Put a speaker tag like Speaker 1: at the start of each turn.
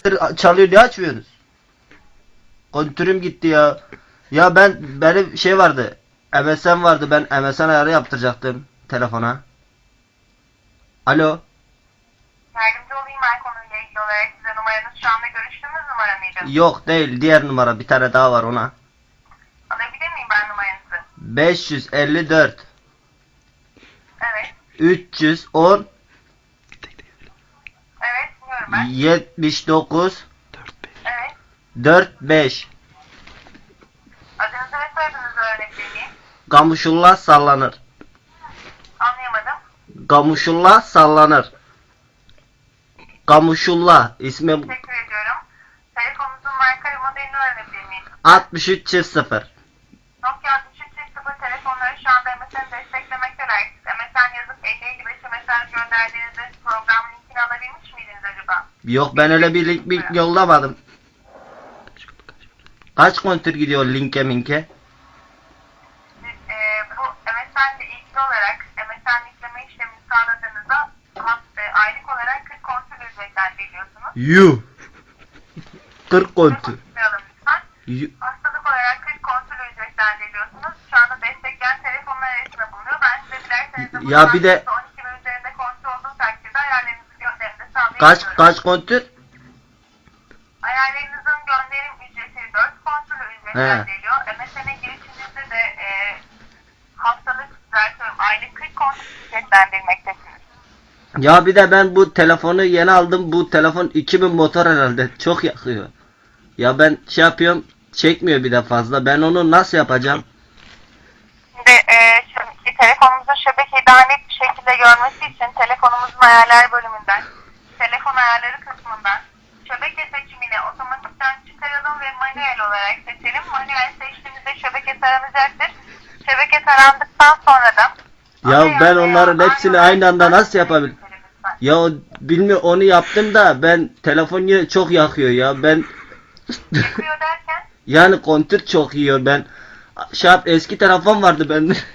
Speaker 1: saattir çalıyor, niye açmıyorsunuz? Kontürüm gitti ya. Ya benim şey vardı. MSN vardı, ben MSN ayarı yaptıracaktım telefona. Alo.
Speaker 2: Yardımcı olayım ben konuyla ilgili olarak size numaranız şu anda görüştüğümüz numara mıydı?
Speaker 1: Yok değil, diğer numara, bir tane daha var ona.
Speaker 2: Alabilir miyim ben numaranızı?
Speaker 1: 554
Speaker 2: Evet.
Speaker 1: 310
Speaker 2: Evet dinliyorum ben.
Speaker 1: 79
Speaker 2: Evet.
Speaker 1: 45.
Speaker 2: Adınızı ve soyadınızı öğrenebilir miyim?
Speaker 1: Gamuşullah sallanır.
Speaker 2: Anlayamadım.
Speaker 1: Gamuşullah sallanır. Gamuşullah ismim.
Speaker 2: Teşekkür ediyorum. Telefonunuzun marka ve modelini öğrenebilir miyim?
Speaker 1: 6300.
Speaker 2: Nokia 6300 telefonları şu anda MSN'i desteklemekteler. MSN yazıp 50-55'e mesaj gönderdiğinizde program linkini alabilmiş miydiniz acaba?
Speaker 1: Yok, ben öyle bir link yollamadım. Kaç kontür gidiyor linke minke?
Speaker 2: Siz bu MSN ile ilgili olarak MSN yükleme işlemini sağladığınızda aylık olarak 40 kontrol ücretten veriyorsunuz.
Speaker 1: Yuh. 40 kontür.
Speaker 2: Unutmayalım lütfen. Hastalık olarak 40 kontrol ücretten veriyorsunuz. Şu anda destekleyen telefonlar arasında bulunuyor. Ben size dilerseniz de
Speaker 1: Ya bir de
Speaker 2: 12 ve üzerinde kontrol olduğu takdirde ayarlarınızı gönderimde sağlayabiliyorum.
Speaker 1: kaç kontür?
Speaker 2: Ayarlarınızın gönderim ücreti 4 kontrol ücretten veriliyor. MSN'e girişinizde de haftalık düzeltiyorum aylık 40 kontrol ücretten verilmektesiniz.
Speaker 1: Ya bir de ben bu telefonu yeni aldım. Bu telefon 2000 motor herhalde. Çok yakıyor. Ya ben şey yapıyorum. Çekmiyor bir de fazla. Ben onu nasıl yapacağım?
Speaker 2: Şimdi telefonumuzun şebekeyi daha net bir şekilde görmesi için telefonumuzun ayarlar bölümünden, telefon ayarları kısmından şebeke seçimini otomatikten çıkaralım ve manuel olarak seçelim. Manuel seçtiğimizde şebeke taranacaktır. Şebeke tarandıktan sonra da
Speaker 1: Ya ben onların hepsini aynı anda nasıl yapabilirim? Ya bilmiyorum, onu yaptım da ben telefon yine çok yakıyor ya. Ben
Speaker 2: yakıyor derken
Speaker 1: yani kontür çok yiyor. Ben eski telefon vardı bende.